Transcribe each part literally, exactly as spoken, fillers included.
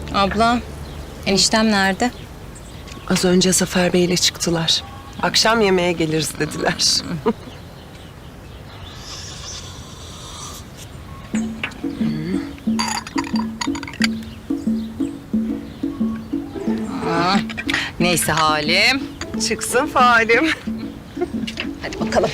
Abla, eniştem nerede? Az önce Zafer Bey ile çıktılar. Akşam yemeğe geliriz dediler. Neyse Halim. Çıksın faalim. Hadi bakalım.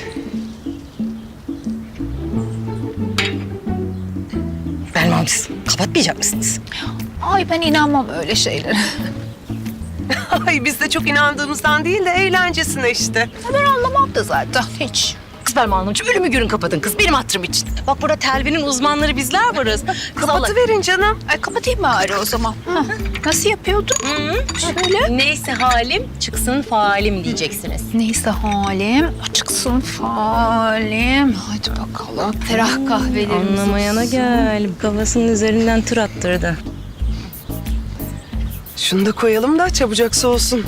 Belmam siz kapatmayacak mısınız? Ay ben inanmam öyle şeylere. Ay biz de çok inandığımızdan değil de eğlencesine işte. Ben anlamam da zaten hiç. Kız Belma Hanımcığım ölümü görün kapatın kız benim hatırım için. Bak burada telvinin uzmanları bizler varız. Kız Allah- Kapatıverin canım. Ay kapatayım bari o zaman. Hah, nasıl yapıyordun? Şöyle. Neyse Halim çıksın faalim diyeceksiniz. Neyse halim, açıksın falim. Hadi bakalım. Ferah kahvelerimiz Anlamayana olsun. gel. Kafasının üzerinden tır attırdı. Şunu da koyalım da çabucak soğusun.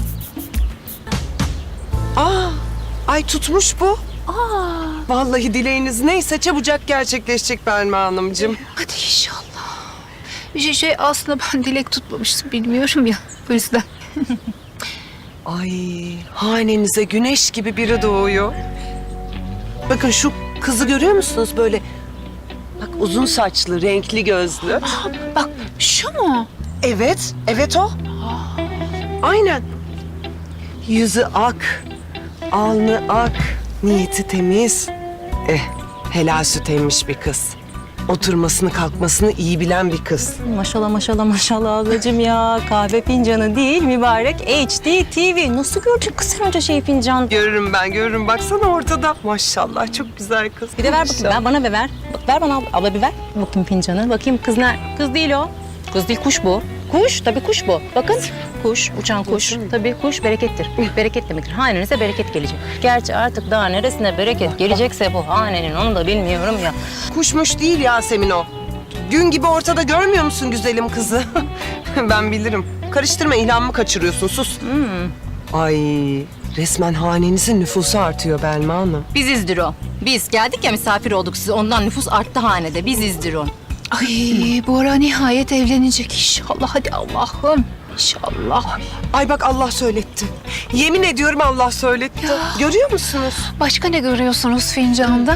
Aa, ay tutmuş bu. Aa, Vallahi dileğiniz neyse çabucak gerçekleşecek Belma Hanımcığım. hadi inşallah. Bir şey, şey aslında ben dilek tutmamıştım bilmiyorum ya. O yüzden. Ay, hanenize güneş gibi biri doğuyor. Bakın şu kızı görüyor musunuz böyle? Bak uzun saçlı, renkli gözlü. Bak şu mu? Evet, evet o. Aynen. Yüzü ak, alnı ak, niyeti temiz. Eh, helal süt emmiş bir kız. Oturmasını kalkmasını iyi bilen bir kız. Maşallah maşallah maşallah ablacığım ya. Kahve fincanı değil mübarek H D T V. Nasıl gördün kız sen onca şey fincan? Görürüm ben, görürüm. Baksana ortada. Maşallah, çok güzel kız. Bir de ver bakayım. Ben bana bir ver. Bak ver bana abla, abla bir ver. Bakayım fincanı. Bakayım kız ne? Kız değil o. Kız değil kuş bu. Kuş tabii kuş bu. Bakın kuş, uçan kuş. Tabii kuş berekettir. Bereket demektir. Hanenize bereket gelecek. Gerçi artık daha neresine bereket gelecekse bu hanenin onu da bilmiyorum ya. Kuşmuş değil Yasemin o. Gün gibi ortada görmüyor musun güzelim kızı? Ben bilirim. Karıştırma, ilhamımı kaçırıyorsun. Sus. Ay, resmen hanenizin nüfusu artıyor Belma Hanım. Bizizdir o. Biz geldik ya misafir olduk size. Ondan nüfus arttı hanede. Bizizdir o. Ay Bora nihayet evlenecek inşallah. Hadi Allah'ım. İnşallah. Ay bak Allah söyletti. Yemin ediyorum Allah söyletti. Görüyor musunuz? Başka ne görüyorsunuz fincanda?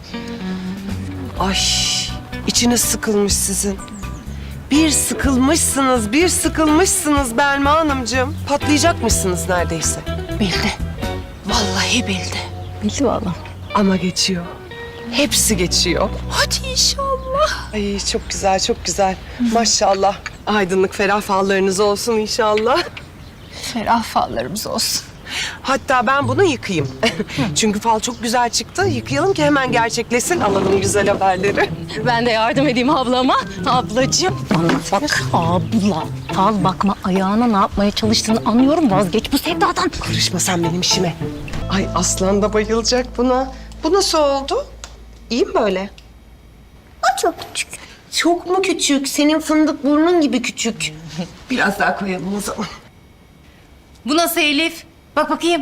Ay, içiniz sıkılmış sizin. Bir sıkılmışsınız, bir sıkılmışsınız Belma Hanımcığım. Patlayacakmışsınız neredeyse. Bildi. Vallahi bildi. Bildi valla. Ama geçiyor. Hepsi geçiyor. Hadi inşallah. Ay çok güzel, çok güzel. Maşallah. Aydınlık ferah fallarınız olsun inşallah. Ferah fallarımız olsun. Hatta ben bunu yıkayayım. Çünkü fal çok güzel çıktı. Yıkayalım ki hemen gerçekleşsin. Alalım güzel haberleri. Ben de yardım edeyim ablama. Ablacığım. Bana bak abla. Fal bakma ayağına ne yapmaya çalıştığını anlıyorum. Vazgeç bu sevdadan. Karışma sen benim işime. Ay aslan da bayılacak buna. Bu nasıl oldu? İyi mi böyle? O çok küçük. Çok mu küçük? Senin fındık burnun gibi küçük. Biraz daha koyalım o zaman. Bu nasıl Elif? Bak bakayım.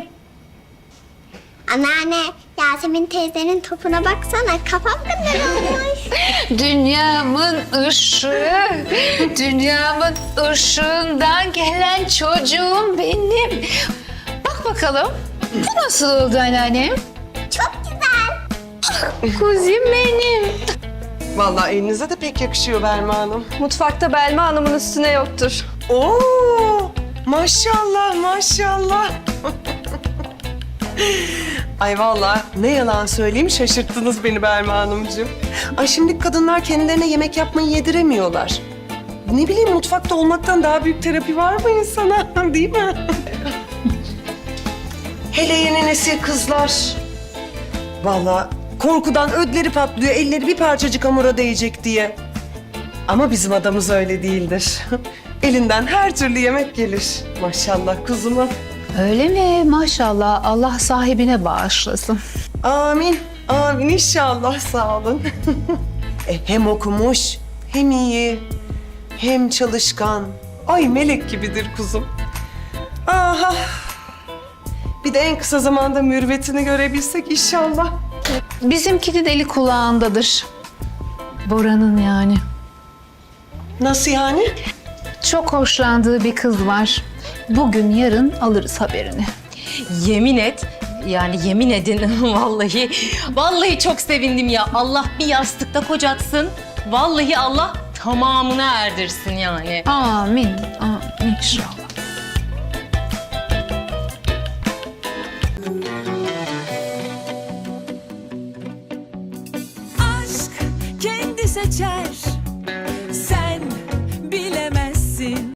Anneanne, Yasemin teyzenin topuna baksana. Kafam kadar olmuş. Dünyamın ışığı, dünyamın ışığından gelen çocuğum benim. Bak bakalım, bu nasıl oldu anneannem? Çok güzel. Kuzim benim. Vallahi elinize de pek yakışıyor Belma Hanım. Mutfakta Belma Hanım'ın üstüne yoktur. Oo! Maşallah, maşallah. Ay vallahi ne yalan söyleyeyim şaşırttınız beni Belma Hanımcığım. Ay şimdi kadınlar kendilerine yemek yapmayı yediremiyorlar. Ne bileyim mutfakta olmaktan daha büyük terapi var mı insana değil mi? Hele yeni nesil kızlar. Vallahi korkudan ödleri patlıyor, elleri bir parçacık hamura değecek diye. Ama bizim adamız öyle değildir. Elinden her türlü yemek gelir. Maşallah kuzuma. Öyle mi? Maşallah. Allah sahibine bağışlasın. Amin. Amin inşallah sağ olun. e, hem okumuş, hem iyi, hem çalışkan. Ay melek gibidir kuzum. Aha. Bir de en kısa zamanda mürüvvetini görebilsek inşallah. Bizimki de deli kulağındadır. Bora'nın yani. Nasıl yani? çok hoşlandığı bir kız var. Bugün yarın alırız haberini. Yemin et. Yani yemin edin vallahi. Vallahi çok sevindim ya. Allah bir yastıkta kocatsın. Vallahi Allah tamamını erdirsin yani. Amin. Amin inşallah. aşk kendi seçer